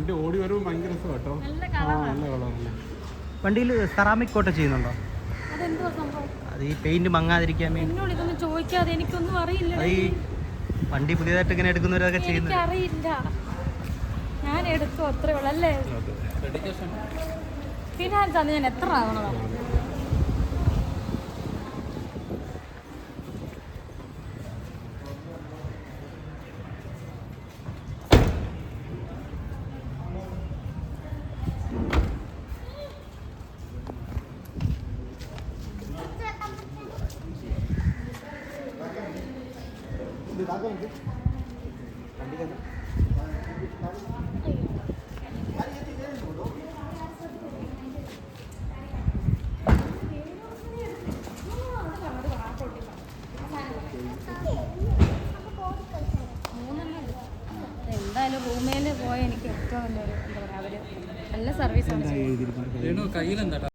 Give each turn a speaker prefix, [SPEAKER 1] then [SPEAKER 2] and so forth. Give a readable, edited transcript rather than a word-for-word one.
[SPEAKER 1] വണ്ടി ഓടി വരുമ്പോൾ ഭയങ്കര രസം കേട്ടോ. നല്ല കളറല്ലേ.
[SPEAKER 2] വണ്ടിയിൽ സെറാമിക് കോട്ട് ചെയ്യുന്നുണ്ടോ? അത് ഈ പെയിന്റ് മങ്ങാതിരിക്കാൻ വേണ്ടി.
[SPEAKER 3] ചോദിക്കാതെ എനിക്കൊന്നും അറിയില്ല.
[SPEAKER 2] അത് ഈ വണ്ടി പുതിയതായിട്ട് ഇങ്ങനെ എടുക്കുന്നവരൊക്കെ ചെയ്യുന്നത്
[SPEAKER 3] അറിയില്ല. ഞാൻ എടുത്തു അത്രേ ഉള്ളൂ അല്ലേ. ഫിനാൻസ് ആണ് ഞാൻ എത്ര ആവണോ? എന്തായാലും റൂമിൽ പോയ എനിക്ക് ഏറ്റവും നല്ലൊരു എന്താ പറയുക, അവര് നല്ല സർവീസ് ആണ്.